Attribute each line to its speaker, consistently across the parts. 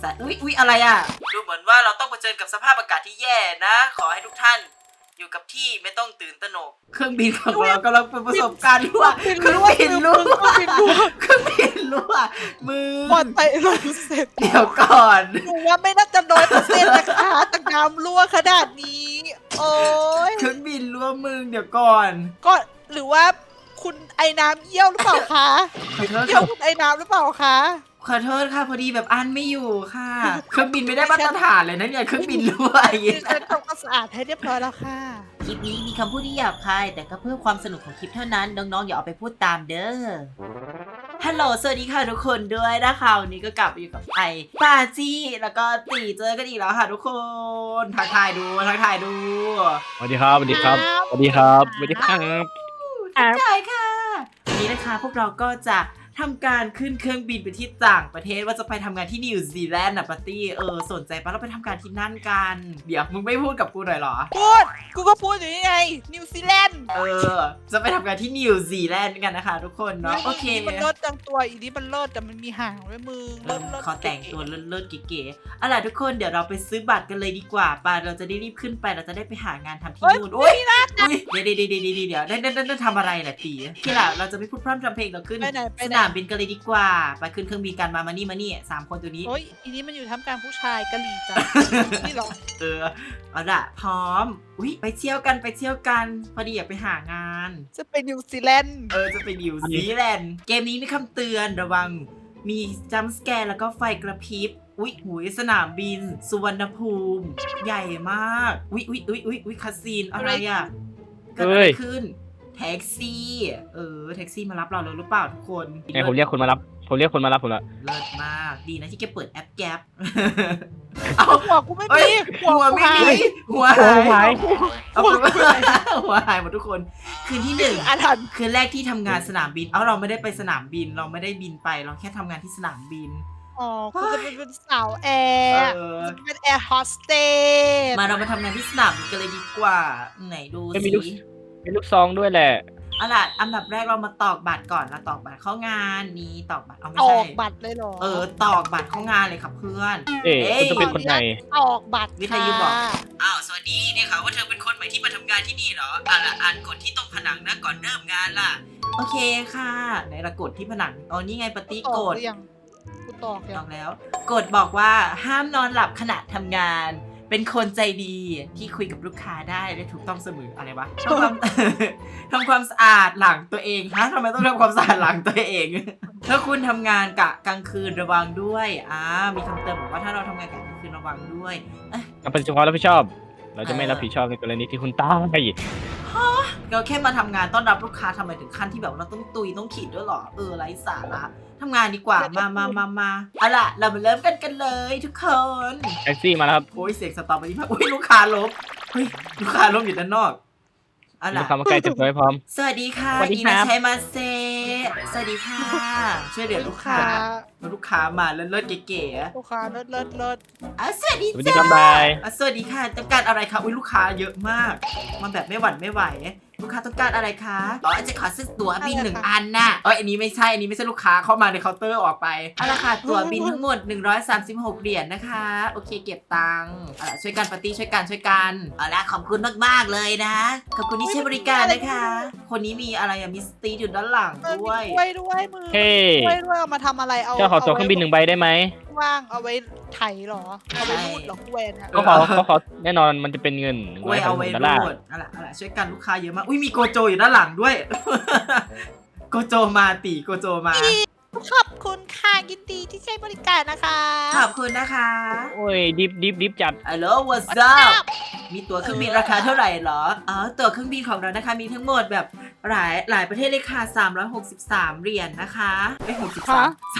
Speaker 1: สัตว์อุ๊ยอะไรอ่ะดูเหมือนว่าเราต้องเผชิญกับสภาพอากาศที่แย่นะขอให้ทุกท่านอยู่กับที่ไม่ต้องตื่นตระหนกเครื่องบินของเรากำลังประสบการณ์รั่วเครื่องบินรั่วเครื่องบินรั่วมือ
Speaker 2: ปลอดภัย100%
Speaker 1: เดี๋ยวก่อน
Speaker 2: หนูว่าไม่น่าจะ100%นะคะแต่น้ำรั่วขนาดนี้ โอ้ย
Speaker 1: เครื่องบินรั่วมึงเดี๋ยวก่อน
Speaker 2: ก็หรือว่าคุณไอ้น้ำเยี่ยวหรือเปล่าคะ
Speaker 1: ขอโทษ
Speaker 2: เยี่ยวคุณไอ้น้ำหรือเปล่าคะ
Speaker 1: ขอโทษค่ะพอดีแบบอันไม่อยู่ค่ะ เครื่องบินไม่ได้มาตรฐานเลยนะเนี่ยเครื่องบินรั่วอย่าง
Speaker 2: ดิ
Speaker 1: เงี้ย
Speaker 2: ฉันทำความสะอาดให้เรียบร้อยแล้วค่ะ
Speaker 1: คลิปนี้มีคำพูดที่หยาบคายแต่ก็เพื่อความสนุกของคลิปเท่านั้นน้องๆอย่าเอาไปพูดตามเด้อฮัลโหลสวัสดีค่ะทุกคนด้วยนะคะวันนี้ก็กลับมาอยู่กับไอปาจี้แล้วก็ตีเจอกันอีกแล้วค่ะทุกคนทักทายดู
Speaker 3: สวัสดีครับสวัสดีครับสวัสดีครับสวัสดีครับ
Speaker 1: ทักทายค่ะวันนี้นะคะพวกเราก็จะทำการขึ้นเครื่องบินไปที่ต่างประเทศว่าจะไปทำงานที่นิวซีแลนด์นะปาร์ตี้สนใจปะเราไปทำงานที่นั่นกันเดี๋ยวมึงไม่พูดกับกูหน่อยเหรอ
Speaker 2: พูด กูก็พูดอยู่นี่ไง นิวซีแลนด์
Speaker 1: จะไปทำงานที่นิวซีแลนด์กันนะคะทุกคนเนาะโอเค
Speaker 2: มันเลิศจังตัวอีนี้มันเลิศแต่มันมีหางด้วยมึงเลิศ
Speaker 1: ขอแต่งตัวเลิศๆเก๋ๆเอาล่ะทุกคนเดี๋ยวเราไปซื้อบัตรกันเลยดีกว่าป่ะเราจะได้รีบขึ้นไปเราจะได้ไปหางานทำที่นู่นโอ้ยเดี๋ยวได้ทำอะไรแหละตีที่ล่ะเราจะไม่พูดพร่ำทำเพลงเราขึ้น
Speaker 2: ไปไหน
Speaker 1: สนามบินกันเลยดีกว่าไปขึ้นเครื่องบินกันมานี่3 คนตัวนี้
Speaker 2: โอ้ยอีนี้มันอยู่ท่ามกลางผู้ชายกะหรี่จ้ะนี่เหรอ
Speaker 1: เอาล่ะพร้อมไปเที่ยวกันพอดีอยากไปหางาน
Speaker 2: จะไปนิวซีแลนด์
Speaker 1: จะไปนิวซีแลนด์เกมนี้มีคำเตือนระวังมีจัมป์สแกร์แล้วก็ไฟกระพริบหูยสนามบินสุวรรณภูมิใหญ่มากคาสิโนอะไรอ่ะเกิดอะไรขึ้นแท็กซี่แท็กซี่มารับเราเลยหรือเปล่าทุกคน
Speaker 3: ไงผมเรียกคนมารับผมละ
Speaker 1: เลิศมากดีนะที่แกเปิดแอปแก๊ป
Speaker 2: หัวกูไม่มี
Speaker 1: หัวไม่มีหัวหายหัวหายหมดทุกคนคืนที่
Speaker 2: อาถรรพ์
Speaker 1: คืนแรกที่ทำงานสนามบินเราไม่ได้ไปสนามบินเราไม่ได้บินไปเราแค่ทำงานที่สนามบิน
Speaker 2: อ๋อคุณจะเป็นสาวแอร์จะเป็นแอร์โฮสเตส
Speaker 1: มาเรามาทำงานที่สนามบินกันเลยดีกว่าไหนดูสิ
Speaker 3: มีลูกซองด้วยแหละ
Speaker 1: เอาล่ะอันดับแรกเรามาตอกบัตรก่อนเราตอกบัตรเข้างานนี้ตอกบัตรไม่
Speaker 2: อ
Speaker 1: ใช่
Speaker 2: อกบัตรเลยเหรอ
Speaker 1: ตอกบัตรเข้างานเลยครับเพื่อน
Speaker 3: คุณจะเป็นคนไหน
Speaker 2: ออกบัตร
Speaker 1: วิทยุบอกสวัสดีเนี่ยค่ะว่าเธอเป็นคนใหม่ที่มาทำงานที่นี่เหรออ่านกฎที่ตรงผนังนะก่อนเริ่มงานล่ะโอเคค่ะไหนละกฎที่ผนังนี่ไงปฏิกฎ
Speaker 2: ยังกูตอกยัง
Speaker 1: แล้วกฎบอกว่าห้ามนอนหลับขณะทำงาน เป็นคนใจดีที่คุยกับลูกค้าได้และถูกต้องเสมออะไรวะทำความสะอาดหลังตัวเองทำไมต้องทำความสะอาดหลังตัวเอง ถ้าคุณทำงานกะกลางคืนระวังด้วยมีคำเตือนบอกว่าถ้าเราทำงานกะกลางคืนระวังด้วย
Speaker 3: รับผิดชอบ เราจะไม่รับผิดชอบในกรณีที่คุณตาย
Speaker 1: เราแค่มาทำงานต้อนรับลูกค้าทำไมถึงขั้นที่แบบเราต้องตุยต้องขีดด้วยหรอไร้สาระทำงานดีกว่ามาเอาล่ะเรามาเริ่มกันเลยทุกคน
Speaker 3: แท็กซี่มาแล้วครับ
Speaker 1: โอ้ยเสียงสตอร์บอรี่มากลูกค้าล้มลูกค้าล้มอยู่ด้านนอกเอา
Speaker 3: ลู
Speaker 1: ล่ะ
Speaker 3: กค้ามาใกล้เต็มตัวให้พร้อม
Speaker 1: สวัสดีค่ะ
Speaker 3: สวัสดี
Speaker 1: อี
Speaker 3: ครั
Speaker 1: นา
Speaker 3: บ
Speaker 1: ชัยมาเซสวัสดีค่ะช่วยเหลือลูกค้ามาเลิศๆเก๋ๆ
Speaker 2: ลูกค้าเลิศ
Speaker 1: สวัสดี
Speaker 3: สวัสดี
Speaker 1: จ้า
Speaker 3: ครับบาย
Speaker 1: สวัสดีค่ะต้องการอะไรคะลูกค้าเยอะมากมาแบบไม่หวั่นไม่ไหวลูกค้าต้องการอะไรคะจะขอซื้อตั๋วบิน1 อันน่ะอันนี้ไม่ใช่ลูกค้าเข้ามาในเคาน์เตอร์ออกไปเอาละค่ะตั๋วบินทั้งหมด136 เหรียญนะคะโอเคเก็บตังค์ช่วยกันปาร์ตี้ช่วยกันเอาละขอบคุณมากๆเลยนะขอบคุณที่ใช้บริการนะคะคนนี้มีอะไรมีสตีอยู่ด้านหลัง
Speaker 2: ๆ
Speaker 1: ด้วย
Speaker 2: ด้วยมือ
Speaker 3: เฮ้
Speaker 2: ด้วยเอามาทำอะไรเอา
Speaker 3: เจ้าขอตั๋วเครื่องบิน1 ใบได้ไหม
Speaker 2: ว่างเอาไว้ไถหรอเอาไว้รูดหรอแวนอะ
Speaker 3: ก็ขอแน่นอนมันจะเป็นเงิน
Speaker 1: กล้วยเอาไว้
Speaker 3: $150
Speaker 1: รูดเอาล่ะช่วยกันลูกค้าเยอะมากมีโกโจอยู่ด้านหลังด้วย โกโจมาโกโจมา
Speaker 2: ขอบคุณค่ะยินดีที่ใช้บริการนะคะ
Speaker 1: ขอบคุณนะคะ
Speaker 3: โอ้ยดิฟจัด
Speaker 1: ฮัลโหล what's up มีตั๋วเครื่องบินราคาเท่าไหร่เหรอตั๋วเครื่องบินของเรานะคะมีทั้งหมดแบบหลายประเทศเลยค่ะ363 เหรียญนะคะไม่63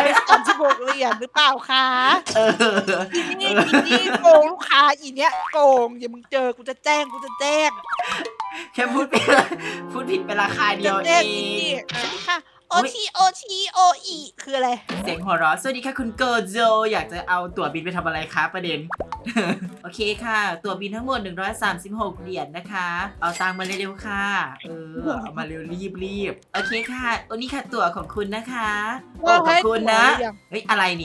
Speaker 2: 136 เหรียญหรือเปล่าคะ นี่โกงลูกค้าอีเนี้ยโกงอย่ามึงเจอกูจะแจ้ง
Speaker 1: แค่พูดผิดไปราคาเดียวเอ
Speaker 2: สวัส
Speaker 1: ง
Speaker 2: ดีค่ะโอทีคืออะไร
Speaker 1: เสียงหัวเราะสวัสดีค่ะคุณโกโจอยากจะเอาตั๋วบินไปทำอะไรคะประเด็น โอเคค่ะตั๋วบินทั้งหมด136 เหรียญนะคะเอาตังค์มาเร็วๆค่ะเอามาเร็วรีบโอเคค่ะนี่ค่ะตั๋วของคุณนะคะขอบคุณนะอะไรเนี่ย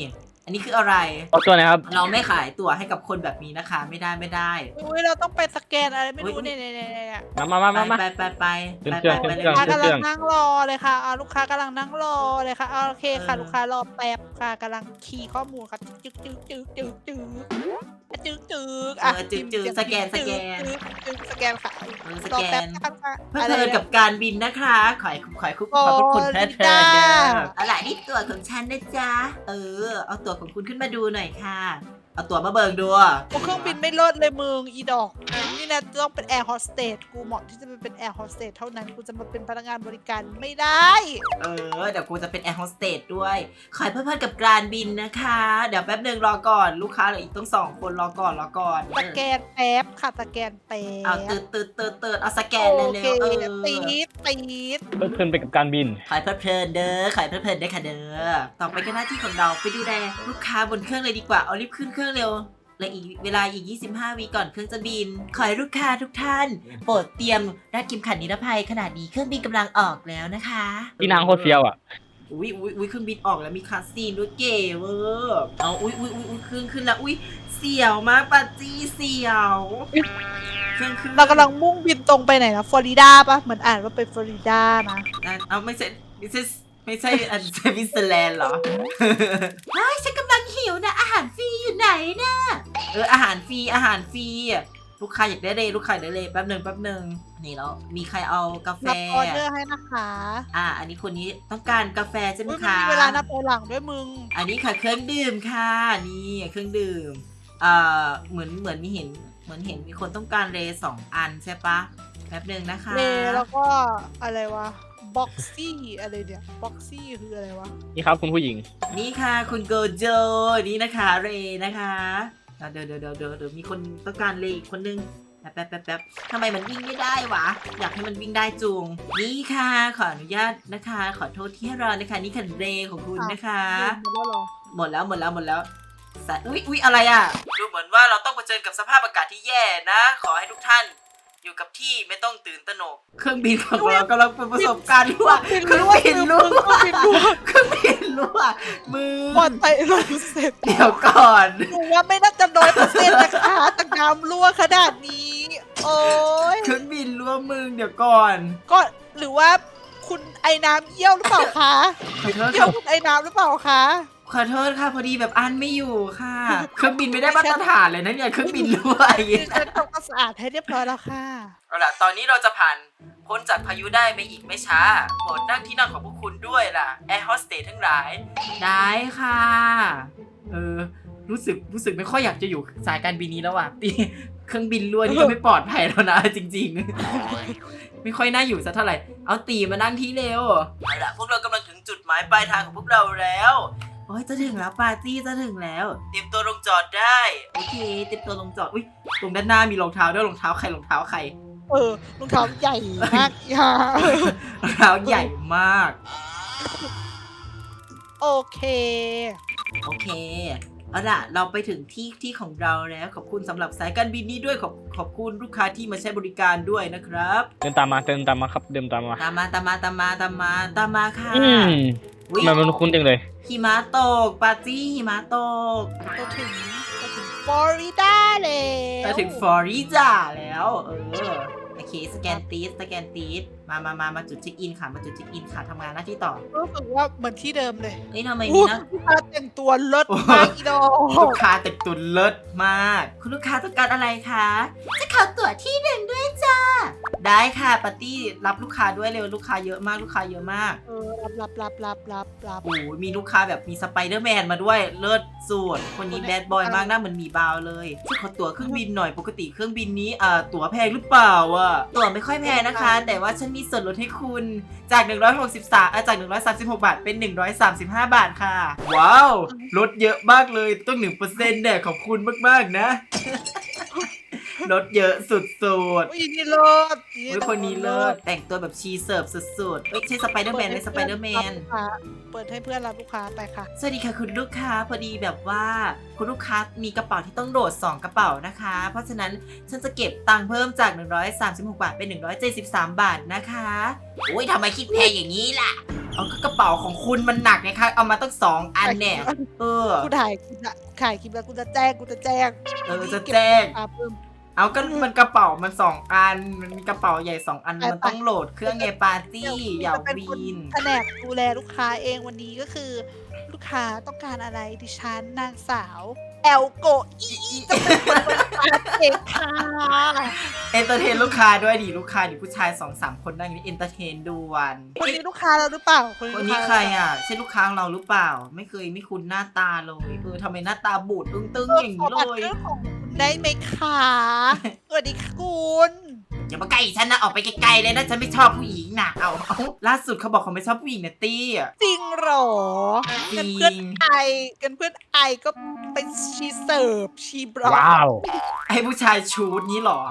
Speaker 1: อันนี้คืออะไร
Speaker 3: เอาตัวไหนครับ
Speaker 1: เราไม่ขายตั๋วให้กับคนแบบนี้นะคะ ไม่ได้ไม่ได้
Speaker 2: อุ้ยเราต้องไปสแกนอะไรไม่รู้
Speaker 1: อุ๊ย
Speaker 2: เนี่ย
Speaker 3: มา
Speaker 1: ไปไปไป
Speaker 3: ขึ้น
Speaker 1: ไป
Speaker 3: เครื่อง
Speaker 1: ไป
Speaker 3: ขึ้น
Speaker 1: ไป
Speaker 3: เครื่อง
Speaker 2: ลูกค้ากำลังนั่งรอเลยค่ะลูกค้ากำลังนั่งรอเลยค่ะโอเคค่ะลูกค้ารอแป๊บค่ะกำลังคีย์ข้อมูลค่ะจึ๊กจึ๊กจึ๊กจึ๊กจึ๊กจึ๊กจึ๊กอ่ะ
Speaker 1: จืดสแกน
Speaker 2: สแกนค่ะ
Speaker 1: ส
Speaker 2: รอ
Speaker 1: แก
Speaker 2: แป๊บ
Speaker 1: น
Speaker 2: นะคะ
Speaker 1: เพื่อเพลินกับการบินนะคะขอให้คุณเพลิดเพลินเด้อเอาล่ะนี่ตั๋วของฉันนะจ๊ะเอาตั๋วของคุณขึ้นมาดูหน่อยค่ะเอาตั๋วมาเบิกดู
Speaker 2: เครื่องบินไม่เลิศเลยมึงอีดอกนี่นะต้องเป็นแอร์โฮสเตสกูเหมาะที่จะเป็นแอร์โฮสเตสเท่านั้นกูจะมาเป็นพนักงานบริการไม่ได้
Speaker 1: เดี๋ยวกูจะเป็นแอร์โฮสเตสด้วยขอให้เพลิดเพลินกับการบินนะคะเดี๋ยวแป๊บนึงรอก่อนลูกค้าเหลืออีกต้อง2 คนรอก่อน
Speaker 2: สแกนแป๊บค่ะสแกนแป๊บ
Speaker 1: เอาตืดเอาสแกนเร็ว
Speaker 2: ตีด
Speaker 3: เพิ่มไปกับการบิน
Speaker 1: ขอให้เพลิดเพลินเด้อขอให้เพลิดเพลินได้ค่ะเด้อต่อไปก็หน้าที่ของเราไปดูแลลูกค้าบนเครื่องเลยดีกว่าเอารีบขึ้นเครื่องเร็วและอีกเวลาอีก25 วิก่อนเครื่องจะบินขอให้ลูกค้าทุกท่านโปรดเตรียมรัดเข็มขัดนิรภัยขณะนี้เครื่องบินกำลังออกแล้วนะคะ
Speaker 3: ที่นางโคตรเฟี้ยวอ่ะ
Speaker 1: อุ้ยเครื่องบินออกแล้วมีคาสซีนด้วยเก๋เวอร์เอาอุ้ยขึ้นแล้วอุ้ยเสียวมากปาจี้เสียวเครื่องขึ้น
Speaker 2: เรากำลังมุ่งบินตรงไปไหนนะฟลอริดาปะเหมือนอ่านว่าเป็นฟลอริดานะ
Speaker 1: เอาไม่ใช่อันสวิตเซอร์แลนด์เหรอ เฮ้ยฉันกำลังหิวนะอาหารฟรีอยู่ไหนนะอาหารฟรีลูกค้าอยากได้เลยลูกค้าอยากได้เลยแป๊บหนึ่งนี่แล้วมีใครเอากาแฟ
Speaker 2: รับออเดอร์ให้นะคะ
Speaker 1: อันนี้คนนี้ต้องการกาแฟใช่ไหม
Speaker 2: อุ๊ย
Speaker 1: คะ
Speaker 2: มีเวลานับถอยหลังด้วยมึง
Speaker 1: อันนี้ค่ะเครื่องดื่มค่ะนี่เครื่องดื่มเหมือนเห็นมีคนต้องการเล2 อันใช่ปะแป๊บหนึ่งนะคะ
Speaker 2: เลแล้วก็อะไรวะบ็อกซี่อะไรเนี่ยบ็อกซี่คืออะไรวะ
Speaker 3: นี่ครับคุณผู้หญิง
Speaker 1: นี่ค่ะคุณโกโจนี่นะคะเรนะคะเดี๋ยวมีคนต้องการเลอีกคนนึงแป๊บทำไมมันวิ่งไม่ได้วะอยากให้มันวิ่งได้จุงนี่ค่ะขออนุญาตนะคะ ขอโทษที่ให้รอนะคะนี่คันเรของคุณนะคะ หมดแล้วอุ๊ยอะไรอ่ะดูเหมือนว่าเราต้องเผชิญกับสภาพอากาศที่แย่นะ ขอให้ทุกท่านอยู่กับที่ไม่ต้องตื่นตระหนกเครื่องบินของเรากำลังเป็นประสบการณ์รั่วเครื่องบินรั่วมือ
Speaker 2: ปลอดภัย100%
Speaker 1: เดี๋ยวก่อน
Speaker 2: หนูว่าไม่น่าจะ100%นะคะแต่น้ำรั่วขนาดนี้ โอ้ย
Speaker 1: เครื่องบินรั่วมึงเดี๋ยวก่อน
Speaker 2: ก็หรือว่าคุณไอ้น้ำเยี่ยวหรือเปล่าคะ
Speaker 1: ขอโทษ
Speaker 2: เยี่ยวคุณไอ้น้ำหรือเปล่าคะ
Speaker 1: ขอโทษค่ะพอดีแบบอันไม่อยู่ค่ะ เครื่องบินไม่ได้มาตรฐานเลยนะเนี่ยเครื่องบินรั่วอย่าง
Speaker 2: ดิ
Speaker 1: เงี้ย
Speaker 2: ฉันทำความสะอาดให้เรียบร้อยแล้วค่ะ
Speaker 1: เอาล่ะตอนนี้เราจะผ่านพ้นจากพายุได้ไม่อีกไม่ช้าโปรดนั่งที่นั่งของพวกคุณด้วยล่ะแอร์โฮสเตสทั้งหลายได้ค่ะรู้สึกไม่ค่อยอยากจะอยู่สายการบินนี้แล้วอ่ะตีเครื่องบินรั่วนี่ก็ไม่ปลอดภัยแล้วนะจริงๆ ไม่ค่อยน่าอยู่สักเท่าไหร่เอาตีมานั่งที่เร็วเอาล่ะพวกเรากำลังถึงจุดหมายปลายทางของพวกเราแล้วโอ้ยจะถึงแล้วปาร์ตี้จะถึงแล้วเตรียมตัวลงจอดได้โอเคเตรียมตัวลงจอดอุ้ยตรงด้านหน้ามีรองเท้าด้วยรองเท้าใครรองเท้าใคร
Speaker 2: รองเท้าใหญ่มากค่ะ
Speaker 1: รองเท้าใหญ่มาก
Speaker 2: โอเค
Speaker 1: เอาล่ะเราไปถึงที่ของเราแล้วขอบคุณสำหรับสายการบินนี้ด้วยขอบคุณลูกค้าที่มาใช้บริการด้วยนะครับ
Speaker 3: เดินตามมาครับเดินตามมา
Speaker 1: ตามมาค่ะ
Speaker 3: ทำไมมันคุ้นจังเลย
Speaker 1: หิมะตกปาร์ตี้หิมะตก
Speaker 2: ก็ถึงฟลอริดาแล้ว
Speaker 1: ไปถึงฟลอริดาแล้วโอเคสแกนตีดมาจุดเช็คอินค่ะมาจุดเช็คอินค่ะทำงานหน้าที่ต่อ
Speaker 2: รู้สึกว่าเหมือนที่เดิมเลย
Speaker 1: นี่ทำไมนี่นะ
Speaker 2: ลูกค้าแต่งตัวเลิศมากอีดอ
Speaker 1: ลูกค้าแต่งตัวเลิศมากคุณลูกค้าต้องการอะไรคะจะขอตั๋วที่หนึ่งด้วยจ้าได้ค่ะปาร์ตี้รับลูกค้าด้วยเร็วลูกค้าเยอะมาก
Speaker 2: รับ
Speaker 1: โอ้ยมีลูกค้าแบบมีสไปเดอร์แมนมาด้วยเลิศสุดคนนี้แบดบอยมากหน้าเหมือนหมีบาวเลยช่วยขอตั๋วเครื่องบินหน่อยปกติเครื่องบินนี้ตั๋วแพงหรือเปล่าตั๋วไม่ค่อยแพงนะคะ แต่ว่าฉันมีส่วนลดให้คุณจากจาก136 บาทเป็น135 บาทค่ะว้าวลดเยอะมากเลยต้อง 1% เนี่ยขอบคุณมากๆนะ ลดเยอะสุดๆ
Speaker 2: อีนี่เลิศ
Speaker 1: คนนี้เลิศแต่งตัวแบบชีเสิร์ฟสุดๆใช่สไปเดอร์แมนเลยสไปเดอร์แมน
Speaker 2: เปิดให้เพื่อนรับลูกค้าไปค่ะ
Speaker 1: สวัสดีค่ะคุณลูกค้าพอดีแบบว่าคุณลูกค้ามีกระเป๋าที่ต้องโหลด2กระเป๋านะคะ เพราะฉะนั้นฉันจะเก็บตังค์เพิ่มจาก136 บาทเป็น173 บาทนะคะโอ้ยทำไมคิดแพงอย่างนี้ล่ะเอาก็กระเป๋าของคุณมันหนักไงคะเอามาตั้ง2 อันเนี่ย
Speaker 2: กูถ่ายคลิปแล้วกูจะแจ้ง
Speaker 1: จะแจ้ง
Speaker 2: เพิ่ม
Speaker 1: เอาก็มันกระเป๋ามัน2 อันมันมีกระเป๋าใหญ่2 อันมันต้องโหลดเครื่องไงปาร์ตี้อย่าวีน
Speaker 2: แผนกดูแลลูกค้าเองวันนี้ก็คือ ลูกค้าต้องการอะไรดิฉันนางสาวแอลโกอีจะเป็นคนบริการเองค่ะ
Speaker 1: เอนเตอร์เทนลูกค้าด้วยดิลูกค้าดิผู้ชาย 2-3 คนนั่งอยู่นี่เอนเตอร์เทนด่วน
Speaker 2: คนนี้ลูกค้าเราหรือเปล่า
Speaker 1: คนนี้ใครอ่ะใช่ลูกค้าของเราหรือเปล่าไม่คุ้นหน้าตาเลยทำไมหน้าตาบูดตึงๆอย่างนี้เลย
Speaker 2: ได้ไหมคะสวัสดีค่ะคุณ
Speaker 1: อย่ามาใกล้ฉันนะออกไปไกลๆเลยนะฉันไม่ชอบผู้หญิงนะเอาล่าสุดเขาบอกเขาไม่ชอบผู้หญิงนะตี้
Speaker 2: จริงหรอกันเพื่อนไอก็เป็นชีเสิร์ฟชีบล็อก
Speaker 3: ว้าว
Speaker 1: ไอ้ผู้ชายชูดนี้หรอ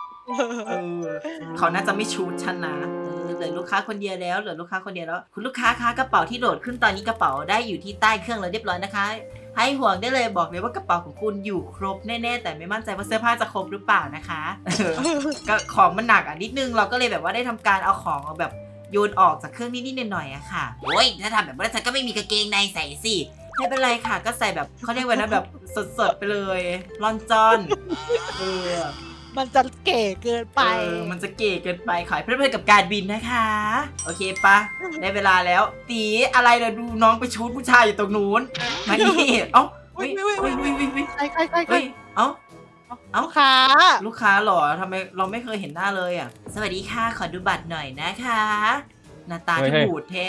Speaker 1: เขาน่าจะไม่ชูดฉันนะเหลือลูกค้าคนเดียวแล้วคุณลูกค้าคะกระเป๋าที่โหลดขึ้นตอนนี้กระเป๋าได้อยู่ที่ใต้เครื่องแล้วเรียบร้อยนะคะให้ห่วงได้เลยบอกเลยว่ากระเป๋าของคุณอยู่ครบแน่ๆแต่ไม่มั่นใจว่าเสื้อผ้าจะครบหรือเปล่านะคะก็ของมันหนักนิดนึงเราก็เลยแบบว่าได้ทำการเอาของแบบโยนออกจากเครื่องนิดๆหน่อยๆอะค่ะโอ้ยถ้าทำแบบนั้นฉันก็ไม่มีกางเกงในใส่สิไม่เป็นไรค่ะก็ใส่แบบเขาเรียกว่านะแบบสดๆไปเลยลอนจอน
Speaker 2: มันจะเก๋เกินไป
Speaker 1: มันจะเก๋เกินไปขอให้เพื่อนๆกับการบินนะคะโอเคปะได้เวลาแล้วตีอะไรเดี๋ยวดูน้องไปชูดผู้ชายอยู่ตรงนู้นมานี่เอ้า
Speaker 2: วิ่งใคร
Speaker 1: เอ้า
Speaker 2: ลูกค้
Speaker 1: าหรอทำไมเราไม่เคยเห็นหน้าเลยอ่ะสวัสดีค่ะขอดูบัตรหน่อยนะคะหน้าตาที่บูดแท้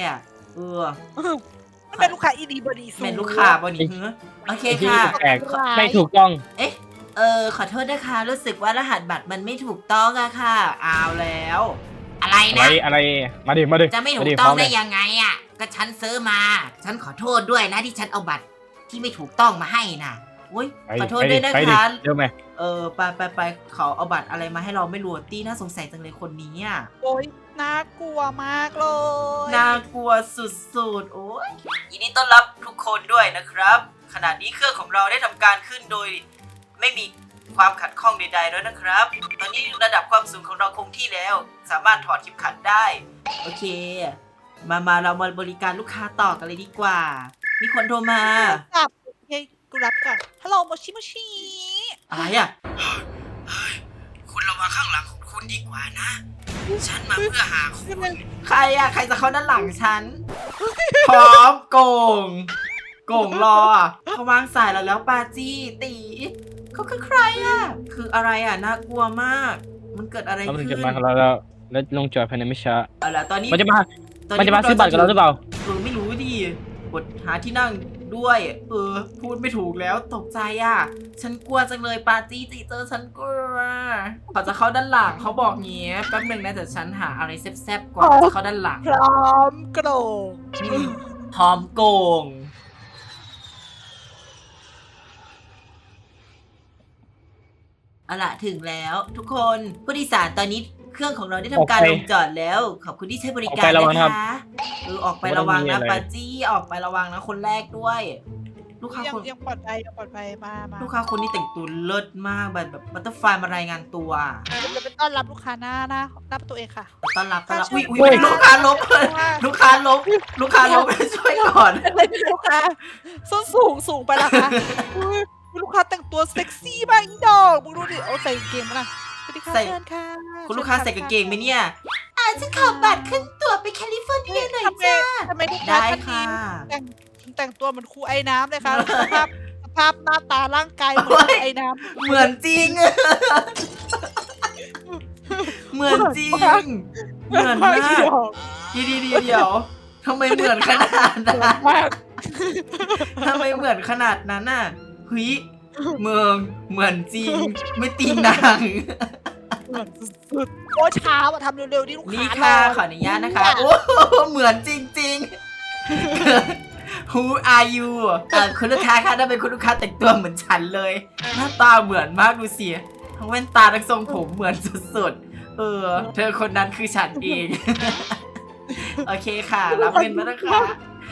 Speaker 2: เป็นลูกค้าอีดีบอดี
Speaker 1: เป็นลูกค้าบอดีโอเคค่ะ
Speaker 3: ไม่ถูกต้อง
Speaker 1: ขอโทษนะคะรู้สึกว่ารหัสบัตรมันไม่ถูกต้องอะค่ะเอาแล้วอะไรนะ
Speaker 3: อะไรมาดิ
Speaker 1: จะไม่ถูกต้องได้ยังไงอะก็ฉันซื้อมาฉันขอโทษด้วยนะที่ฉันเอาบัตรที่ไม่ถูกต้องมาให้นะอุ้ยขอโทษด้วยนะคะ
Speaker 3: เดี๋ยวไหม
Speaker 1: ไปเขาเอาบัตรอะไรมาให้เราไม่รู้ตี้น่าสงสัยจังเลยคนนี้อะ
Speaker 2: โอ้ยน่ากลัวมากเลย
Speaker 1: น่ากลัวสุดๆโอ้ยยินดีต้อนรับทุกคนด้วยนะครับขณะนี้เครื่องของเราได้ทำการขึ้นโดยไม่มีความขัดข้องใดๆแล้วนะครับตอนนี้ระดับความสูงของเราคงที่แล้วสามารถถอดเข็มขัดได้โอเคมาเรามาบริการลูกค้าต่อกันเลยดีกว่ามีคนโทรมา
Speaker 2: กูรับก่อนฮัลโหลโมชิ
Speaker 1: อะไรอ่ะคุณระวังข้างหลังของคุณดีกว่านะฉันมาเพื่อหาคุณใครอ่ะใครจะเข้าด้านหลังฉันพร้อมโกงรอเขาวางสายแล้วปาจี้ตีเขาคือใครอ่ะคืออะไรอ่ะน่ากลัวมากมันเกิดอะไรขึ้น
Speaker 3: จะมาแล้วลงจอดภายในไม่ช้า
Speaker 1: ตอนนี้
Speaker 3: มันจะมาซื้อบัตรกันแล้วหรือเปล่า
Speaker 1: ไม่รู้ดิกดหาที่นั่งด้วยพูดไม่ถูกแล้วตกใจอ่ะฉันกลัวจังเลยปาจี้ตีเจอฉันกลัวเขาจะเข้าด้านหลังเขาบอกเงี้ยแป๊บนึงนะแต่ฉันหาอะไรแซ่บๆก่อนจะเข้าด้านหลัง
Speaker 2: พร้อมโก
Speaker 1: งเอาล่ะถึงแล้วทุกคนผู้โดยสารตอนนี้เครื่องของเราได้ทำการลงจอดแล้วขอบคุณที่ใช้บริการนะคะออกไประวังนะปาจี้ออกไประวังนะคนแรกด้วยลูกค้าคน
Speaker 2: ยังปลอดภัยมา
Speaker 1: ลูกค้าคนนี้แต่งตัวเลิศมากแบบบัตเตอร์ไฟมารายงานตัว
Speaker 2: จะเป็นต้อนรับลูกค้าหน้าประตูเองค่ะ
Speaker 1: ต้อนรับอุ้ยลูกค้าลบช่วยก่อน
Speaker 2: ลูกค้าส้นสูงไปละค่ะลูกค้าแต่งตัวเซ็กซี่มากอีดอกมึงดูดิเอาใส่กางเกงมาละ
Speaker 1: ใส่คุณลูกค้าใส่กางเกงไหมเนี่ยฉันขอบัตรขึ้นตั๋วไปแคลิฟอร์เนียหน่อยจ้า
Speaker 2: ทำไมได้ค่ะแต่งตัวเหมือนครูไอ้น้ำเลยค่ะสภาพหน้าตาร่างกายเหมือนไอ้น้ำ
Speaker 1: เหมือนจริงเหมือนมากเดี๋ยวทำไมเหมือนขนาดนั้นน่ะเฮ้ยเหมือนจริงไม่ตีนาง
Speaker 2: เหมือนสุดๆโอ้ช้าว่ะทำเร็วๆดิลูกค้า
Speaker 1: นี่ค่ะขออนุญาตนะคะโอ้เหมือนจริงๆ Who are you คุณลูกค้าค่ะถ้าเป็นคุณลูกค้าแต่งตัวเหมือนฉันเลยหน้าตาเหมือนมากดูสิทั้งแว่นตาทั้งทรงผมเหมือนสุดๆเธอคนนั้นคือฉันเองโอเคค่ะรับเงินมาแล้วค่ะ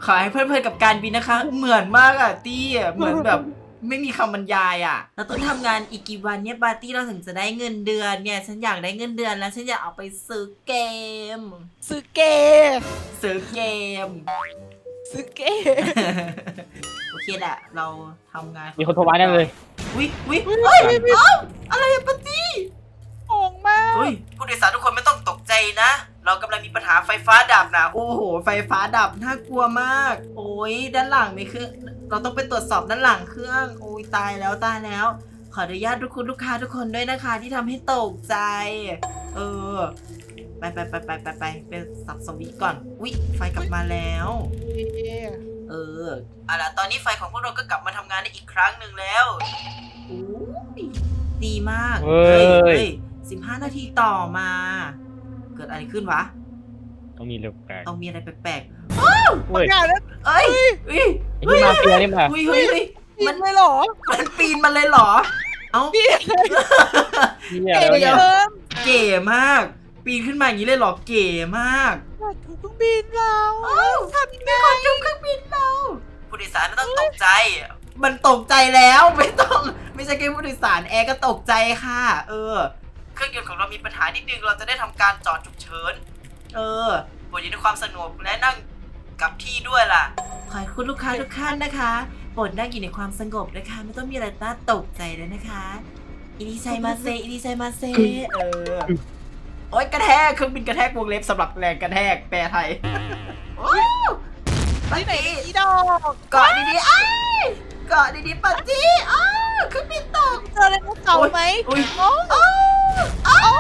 Speaker 1: ขอให้เพลินๆกับการบินนะคะ เหมือนมากอะตี้อะเหมือนแบบไม่มีคำบรรยายอะเราต้องทำงานอีกกี่วันเนี่ยปาร์ตี้เราถึงจะได้เงินเดือนเนี่ยฉันอยากได้เงินเดือนแล้วฉันอยากเอาไปซื้อเกม
Speaker 2: ซื้อเกม
Speaker 1: ซื้อเกม
Speaker 2: ซื้อเกม
Speaker 1: โอเคแหละเราทำงาน
Speaker 3: มีคนโทรมาแน่เลย
Speaker 1: วิเฮ้ยเอ้าอะไรอะปาร์ตี้
Speaker 2: งงมาก
Speaker 1: เฮ้ยผู้โดยสารทุกคนไม่ต้องตกใจนะ เรากำลังมีปัญหาไฟฟ้าดับนะโอ้โหไฟฟ้าดับน่ากลัวมาก โอ้ยด้านหลังมีเครื่องเราต้องไปตรวจสอบด้านหลังเครื่อง โอ้ยตายแล้วตายแล้ว ขออนุญาตทุกคุณลูกค้าทุกคนด้วยนะคะ ที่ทำให้ตกใจ เออ ไปสับสวิตช์ก่อนอุ๊ยไฟกลับมาแล้ว เออเอาล่ะตอนนี้ไฟของพวกเราก็กลับมาทำงานได้อีกครั้งหนึ่งแล้วโอ้ยดีมาก
Speaker 3: เฮ้ย
Speaker 1: 15 นาทีต่อมา เกิดอะไรขึ้นวะ
Speaker 3: ต้องมีเรื่องแปลก
Speaker 1: ต้องมีอะไรแปลก
Speaker 3: เฮ้ย
Speaker 2: อย่าแล้ว
Speaker 1: ๆเอ้ยเฮ้ย
Speaker 3: ไอ้ที่มาเฟียนี่มา
Speaker 1: เฮ้ย
Speaker 2: มั
Speaker 1: มัน น
Speaker 2: เลยเหรอ
Speaker 1: มันปีนมาเลยเหรอ เอ้า
Speaker 3: เหี้ยอะไรวะเนี่ย
Speaker 2: เพิ่ม
Speaker 1: เก๋มาก ปีนขึ้นมาอย่างนี้เลยเหรอ เก๋มาก
Speaker 2: อยากถูกเครื่องบินเราทำยังไง
Speaker 1: ขอจุ่มเครื่องบินเราผู้โดยสารไม่ต้องตกใจ มันตกใจแล้วไม่ใช่แค่ผู้โดยสารแอร์ก็ตกใจค่ะ เออ เครื่องยนต์ของเรามีปัญหานิดนึงเราจะได้ทำการจอดฉุกเฉิน เออโปรดอยู่ในความสงบและนั่งกับที่ด้วยล่ะ ขอให้คุณลูกค้าทุกท่านนะคะโปรดนั่งอยู่ในความสงบนะคะไม่ต้องมีอะไรน่าตกใจเลยนะคะอินิไซมาเซเออ โอ๊ยกระแทกเครื่องบินกระแทกวงเล็บสำหรับแรงกระแทกแปลไทยโอ้ปา
Speaker 2: ที่ไหน
Speaker 1: ร์ตี้
Speaker 2: อีดอก
Speaker 1: เกาะดีๆอ้ายเกาะดีๆปาร์ตี้อ้าวเครื่องบินตก
Speaker 2: เจออะไรพวกเก่าไหม
Speaker 1: อุ้ย
Speaker 2: โอ้
Speaker 1: อ้าว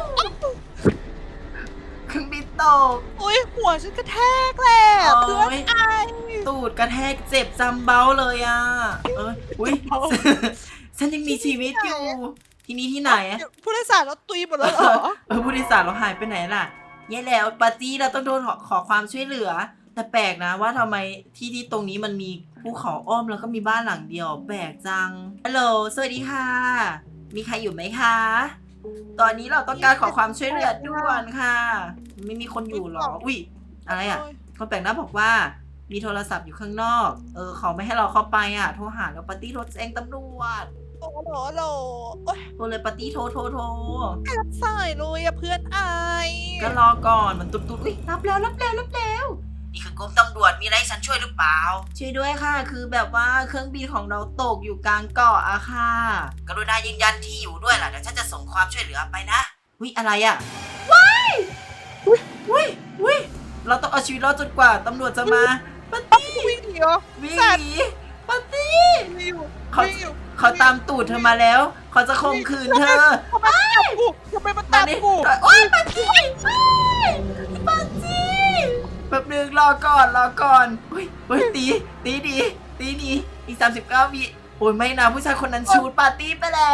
Speaker 1: เครื่องบินตก
Speaker 2: อุ้ยหัวฉันกระแทกแหละเพื่อน
Speaker 1: โอ้ย
Speaker 2: ไอ
Speaker 1: ตูดกระแทกเจ็บจำเบ้าเลยอ่ะอุ้ยฉันยังมีชีวิตอยู่ ที่นี่ที่ไหนอะ
Speaker 2: ผู้โดยสารเราตุยหมดแล้วเหรอ
Speaker 1: ผู้โดยสารเราหายไปไหนล่ะแย่แล้วปาร์ตี้เราต้องโดนขอความช่วยเหลือ แต่แปลกนะว่าทำไมที่ตรงนี้มันมีภูเขาอ้อมแล้วก็มีบ้านหลังเดียวแปลกจังฮัลโหลสวัสดีค่ะ มีใครอยู่ไหมคะ ตอนนี้เราต้องการขอความช่วยเหลือด่วนค่ะ ไม่มีคนอยู่หรออุ้ยอะไรอ่ะคนแปลกหน้าบอกว่ามีโทรศัพท์อยู่ข้างนอกเขาไม่ให้เราเข้าไปอ่ะโทรหาแล้วปาร์ตี้โทรแจ้งตำรวจ
Speaker 2: โอ้โหโหลโอ้ย
Speaker 1: โทรเลยปาร์ตี้โทร
Speaker 2: ไม่รับสายเลยอะเพื่อนไอ
Speaker 1: ก็รอก่อนมันตุ๊ดอุ้ยรับแล้วนี่คือกรมตำรวจมีอะไรให้ฉันช่วยหรือเปล่าช่วยด้วยค่ะ คือแบบว่าเครื่องบินของเราตกอยู่กลางเกาะอะค่ะกรุณายืนยันที่อยู่ด้วยล่ะเดี๋ยวฉันจะส่งความช่วยเหลือไปนะวิอะไรอะว้ายวิเราต้องเอาชีวิตรอดจนกว่าตำรวจจะมาปาร์ตี้
Speaker 2: วิ่งหนีเหรอ
Speaker 1: วิ่งหนีปาร์ตี้
Speaker 2: วิ่งอยู่
Speaker 1: เขา
Speaker 2: วิ่งอยู่
Speaker 1: เขาตามตูดเธอมาแล้ว เขาจะข่มขืนเธอ
Speaker 2: ทำไมมันตามกู
Speaker 1: โอ๊ยปาร์ตี้ปาร์ตี้แป๊บนึงรอก่อนเฮ้ยตีดีอีก39 วิโอ้ยไม่นะผู้ชายคนนั้นชูดปาร์ตี้ไปแล้ว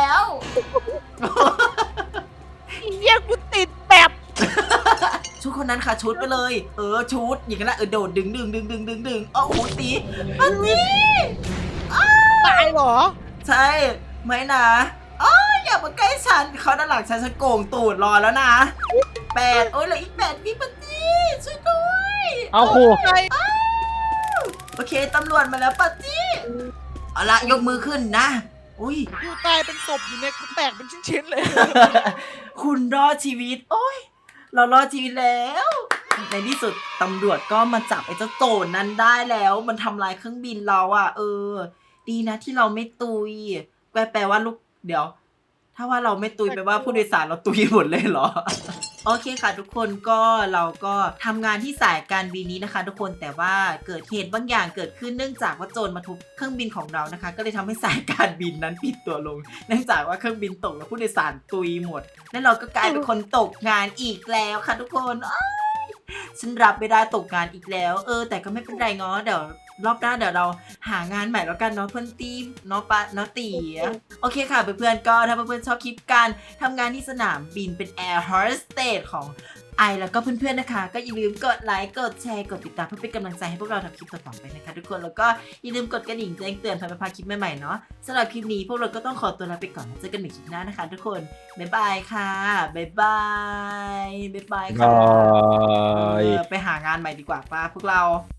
Speaker 2: เยี่ยกูติดแบบ
Speaker 1: ชูดคนนั้นค่ะชูดไปเลยชูดอย่างนั้นแหละโดดดึงโอ้โหตีปาร์ตี้
Speaker 2: ตายเหรอ
Speaker 1: ใช่ไม่นะอย่ามาใกล้ฉันเขาด้านหลังฉันโก่งตูดรอแล้วนะ8โอ้ยเหลืออีก8วิปาร์ตี้ช่วยด้วย
Speaker 3: เอาครู
Speaker 2: ใคร
Speaker 1: โอเคตำรวจมาแล้วปาร์ตี้เอาละยกมือขึ้นนะอุ้ย
Speaker 2: กูตายเป็นศพอยู่เนี่ยกูแตกเป็นชิ้นๆเลย
Speaker 1: คุณรอดชีวิตโอ้ยเรารอดชีวิตแล้วในที่สุดตำรวจก็มาจับไอ้เจ้าโจรนั้นได้แล้วมันทำลายเครื่องบินเราอ่ะดีนะที่เราไม่ตุยแปลว่าลูกเดี๋ยว ถ้าว่าเราไม่ตุยแปลว่าผู้โดยสารเราตุยหมดเลยเหรอ โอเคค่ะทุกคนก็เราก็ทำงานที่สายการบินนี้นะคะ ทุกคนแต่ว่าเกิดเหตุบางอย่างเกิดขึ้นเนื่องจากว่าโจรมาทุบเครื่องบินของเรานะคะ ก็เลยทำให้สายการบินนั้นปิดตัวลง เนื่องจากว่าเครื่องบินตกแล้วผู้โดยสารตุยหมดและเราก็กลายเป็นคนตกงานอีกแล้วค่ะทุกคนฉันรับไม่ได้ตกงานอีกแล้วแต่ก็ไม่เป็นไรง้อเดี๋ยวรอบหน้าเดี๋ยวเราหางานใหม่แล้วกันเนาะเพื่อนตีเนาะปะเนาะตีโอเคค่ะเพื่อนๆก็ถ้าเพื่อนๆชอบคลิปการทำงานที่สนามบินเป็นแอร์โฮสเตสของไอแล้วก็เพื่อนๆนะคะก็อย่าลืมกดไลค์กดแชร์กดติดตามเพื่อเป็นกำลังใจให้พวกเราทำคลิปต่อๆไปนะคะทุกคนแล้วก็อย่าลืมกดกระดิ่งแจ้งเตือนเพื่อไม่พลาดคลิปใหม่ๆเนาะสำหรับคลิปนี้พวกเราก็ต้องขอตัวลาไปก่อนเจอกันใหม่คลิปหน้านะคะทุกคนบ๊ายบายค่ะบ๊ายบายค่ะไปหางานใหม่ดีกว่าป้าพวกเรา